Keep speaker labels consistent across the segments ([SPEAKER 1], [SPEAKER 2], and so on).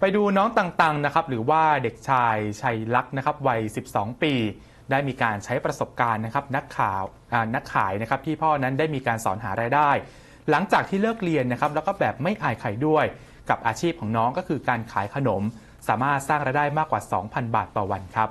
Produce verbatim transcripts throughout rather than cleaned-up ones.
[SPEAKER 1] ไปดูน้องต่างๆนะครับหรือว่าเด็กชายชัยลักษณ์นะครับวัยสิบสองปีได้มีการใช้ประสบการณ์นะครับนักข่าวนักขายนะครับที่พ่อนั้นได้มีการสอนหารายได้ หลังจากที่เลิกเรียนนะครับแล้วก็แบบไม่อายใครด้วยกับอาชีพของน้องก็คือการขายขนมสามารถสร้างรายได้มากกว่า สองพัน บาทต่อวันครับ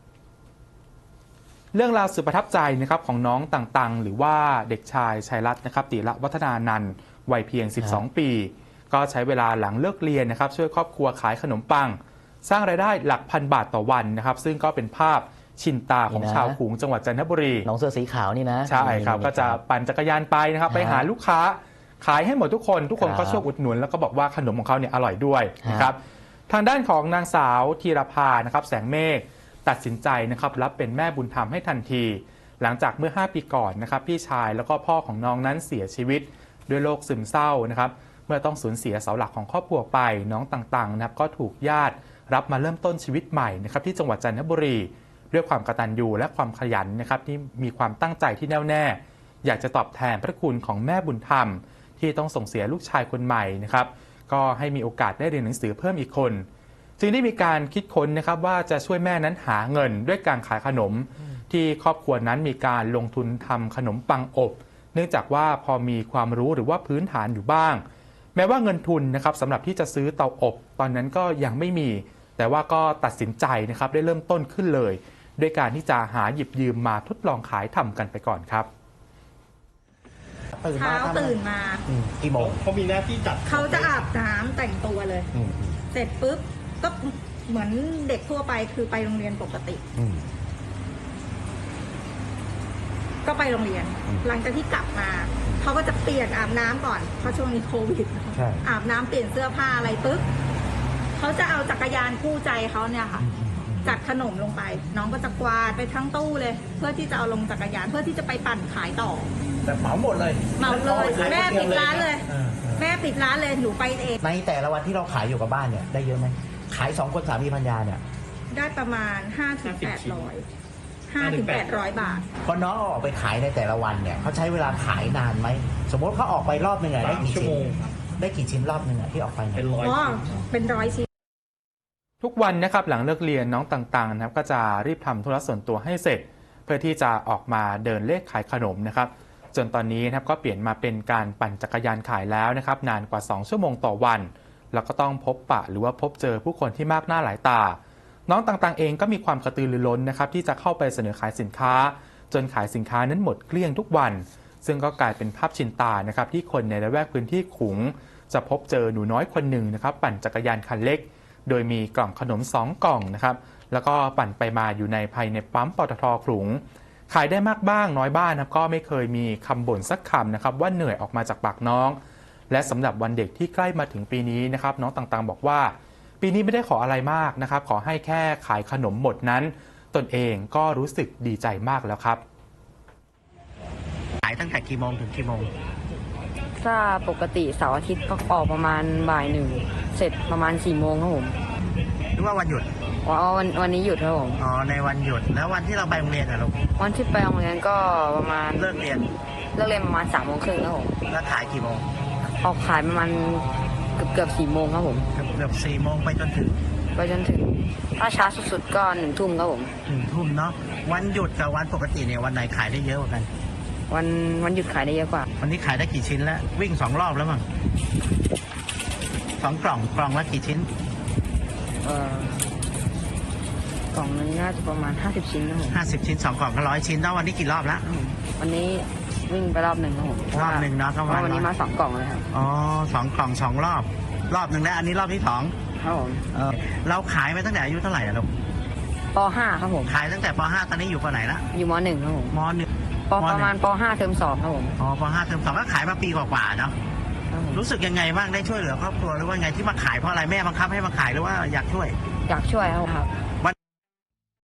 [SPEAKER 1] เรื่องราวสุดประทับใจนะครับของน้องต่างๆหรือว่าเด็กชายชัยรัตน์นะครับติระวัฒนานันท์วัยเพียงสิบสองปีก็ใช้เวลาหลังเลิกเรียนนะครับช่วยครอบครัวขายขนมปังสร้างรายได้หลักพันบาทต่อวันนะครับซึ่งก็เป็นภาพชินตาของชาวขลุงจังหวัดจันทบุรี
[SPEAKER 2] น้องเสื้อสีขาวนี่นะ
[SPEAKER 1] ใช่ครับก็จะปั่นจักรยานไปนะครับไปหาลูกค้าขายให้หมดทุกคนทุกคนก็ช่วยอุดหนุนแล้วก็บอกว่าขนมของเขาเนี่ยอร่อยด้วยนะครับทางด้านของนางสาวธีรภานะครับแสงเมฆตัดสินใจนะครับรับเป็นแม่บุญธรรมให้ทันทีหลังจากเมื่อห้าปีก่อนนะครับพี่ชายแล้วก็พ่อของน้องนั้นเสียชีวิตด้วยโรคซึมเศร้านะครับเมื่อต้องสูญเสียเสาหลักของครอบครัวไปน้องต่างๆนะครับก็ถูกญาติรับมาเริ่มต้นชีวิตใหม่นะครับที่จังหวัดจันทบุรีด้วยความกตัญญูและความขยันนะครับที่มีความตั้งใจที่แน่วแน่อยากจะตอบแทนพระคุณของแม่บุญธรรมที่ต้องส่งเสียลูกชายคนใหม่นะครับก็ให้มีโอกาสได้เรียนหนังสือเพิ่มอีกคนจึงได้มีการคิดค้นนะครับว่าจะช่วยแม่นั้นหาเงินด้วยการขายขนมที่ครอบครัวนั้นมีการลงทุนทำขนมปังอบเนื่องจากว่าพอมีความรู้หรือว่าพื้นฐานอยู่บ้างแม้ว่าเงินทุนนะครับสำหรับที่จะซื้อเตาอบตอนนั้นก็ยังไม่มีแต่ว่าก็ตัดสินใจนะครับได้เริ่มต้นขึ้นเลยด้วยการที่จะหาหยิบยืมมาทดลองขายทำกันไปก่อนครับ
[SPEAKER 3] เช้าตื่นมา
[SPEAKER 2] กี่โมง
[SPEAKER 4] เขามีหน้าที่จัด
[SPEAKER 3] เขาจะอาบน้ำแต่งตัวเลยเสร็จปุ๊บก็เหมือนเด็กทั่วไปคือไปโรงเรียนปกติก็ไปโรงเรียนหลังจากที่กลับมาเขาก็จะเปลี่ยนอาบน้ำก่อนเพราะช่วงนี้โควิดอาบน้ำเปลี่ยนเสื้อผ้าอะไรปุ๊บเขาจะเอาจักรยานคู่ใจเขาเนี่ยค่ะจัดขนมลงไปน้องก็จะกวาดไปทั้งตู้เลยเพื่อที่จะเอาลงจักรยานเพื่อที่จะไปปั่นขายต่อ
[SPEAKER 4] แต่เหมาหมดเลย
[SPEAKER 3] เหมาเลยแม่ปิดร้านเลยแม่ปิดร้านเลยหนูไปเอง
[SPEAKER 2] ในแต่ละวันที่เราขายอยู่กับบ้านเนี่ยได้เยอะไหมขายสองคนสามีภรรยาเนี่ย
[SPEAKER 3] ได้ประมาณห้าถึงแปดร้อยห้าถึงแปดร้อยบาท
[SPEAKER 2] พอน้องออกไปขายในแต่ละวันเนี่ยเขาใช้เวลาขายนานไหมสมมติเขาออกไปรอบหนึ่งได้กี่ชิ้นได้กี่ชิ้นรอบหนึ่งที่ออกไป
[SPEAKER 4] เป็นร้อย
[SPEAKER 3] อ๋อเป็นร้อยชิ้น
[SPEAKER 1] ทุกวันนะครับหลังเลิกเรียนน้องต่างๆนะครับก็จะรีบทำธุระส่วนตัวให้เสร็จเพื่อที่จะออกมาเดินเลขขายขนมนะครับจนตอนนี้นะครับก็เปลี่ยนมาเป็นการปั่นจักรยานขายแล้วนะครับนานกว่าสองชั่วโมงต่อวันแล้วก็ต้องพบปะหรือว่าพบเจอผู้คนที่มากหน้าหลายตาน้องต่างๆเองก็มีความกระตือรือร้นนะครับที่จะเข้าไปเสนอขายสินค้าจนขายสินค้านั้นหมดเกลี้ยงทุกวันซึ่งก็กลายเป็นภาพชินตานะครับที่คนในละแวกพื้นที่ขลุงจะพบเจอหนูน้อยคนหนึ่งนะครับปั่นจักรยานคันเล็กโดยมีกล่องขนมสองกล่องนะครับแล้วก็ปั่นไปมาอยู่ในภายในปั๊มปตท.ขลุงขายได้มากบ้างน้อยบ้างนะครับก็ไม่เคยมีคำบ่นสักคำนะครับว่าเหนื่อยออกมาจากปากน้องและสำหรับวันเด็กที่ใกล้มาถึงปีนี้นะครับน้องต่างๆบอกว่าปีนี้ไม่ได้ขออะไรมากนะครับขอให้แค่ขายขนมหมดนั้นตนเองก็รู้สึกดีใจมากแล้วครับ
[SPEAKER 2] ขายตั้งแต่กี่โมงถึงกี่โมง
[SPEAKER 5] ถ้าปกติเสาร์อาทิตย์ก็ออกประมาณบ่ายหนึ่งเสร็จประมาณสี่โมงครับผม
[SPEAKER 2] หรือว่าวันหยุด
[SPEAKER 5] อ๋อวันวันนี้หยุดครับผม
[SPEAKER 2] อ๋อในวันหยุดแล้ววันที่เราไปโรงเรียนอะลูก
[SPEAKER 5] วันที่ไปโรงเรียนก็ประมาณ
[SPEAKER 2] เลิกเรียน
[SPEAKER 5] เลิกเรียนประมาณสามโมงครึ่งครับผม
[SPEAKER 2] แล้วขายกี่โมง
[SPEAKER 5] ออกขายประมาณเกือบเกือบสี่โมงครับผม
[SPEAKER 2] เกือบเกือบสี่โมงไปจนถึง
[SPEAKER 5] ไปจนถึงถ้าช้าสุดๆก็หนึ่งทุ่มครับผม
[SPEAKER 2] หนึ่งทุ่มเนาะวันหยุดกับวันปกติเนี่ยวันไหนขายได้เยอะกว่ากัน
[SPEAKER 5] วันวันหยุดขายได้เยอะกว่า
[SPEAKER 2] วันนี้ขายได้กี่ชิ้นแล้ววิ่งสองรอบแล้วมั้งสองกล่องกล่องละกี่ชิ้น
[SPEAKER 5] เอ่อกล่องนึงน่าจะประมาณห้าสิบชิ้นนะผม
[SPEAKER 2] ห้าสิบชิ้นสองกล่องก็ร้อยชิ้นแล้ววันนี้กี่รอบแล้ว
[SPEAKER 5] วันนี้วิ่งไปรอบหนึ่งครับผม
[SPEAKER 2] รอบหนึ่งเนาะ
[SPEAKER 5] เพราะวันนี้มาสองกล่องเลยครับ
[SPEAKER 2] อ๋อสองกล่องสองรอบรอบหนึ่งแล้วอันนี้รอบที่สอง
[SPEAKER 5] ครับผม
[SPEAKER 2] เราขายมาตั้งแต่อายุเท่าไหร่อะลูก
[SPEAKER 5] ป.ห้าครับผม
[SPEAKER 2] ขายตั้งแต่ป.ห้าตอนนี้อยู่ป.ไหนละ
[SPEAKER 5] อยู่ม.หนึ่งครับผม
[SPEAKER 2] ม.หนึ่ง
[SPEAKER 5] ประมาณป.ห้าเทอมสองครับผม
[SPEAKER 2] อ๋อป.ห้าเทอมสองก็ขายมาปีกว่าๆเนาะรู้สึกยังไงบ้างได้ช่วยเหลือครอบครัวหรือว่าไงที่มาขายเพราะอะไรแม่บังคับให้มาขายหรือว่าอยากช่วย
[SPEAKER 5] อยากช่วยครับ
[SPEAKER 2] วัน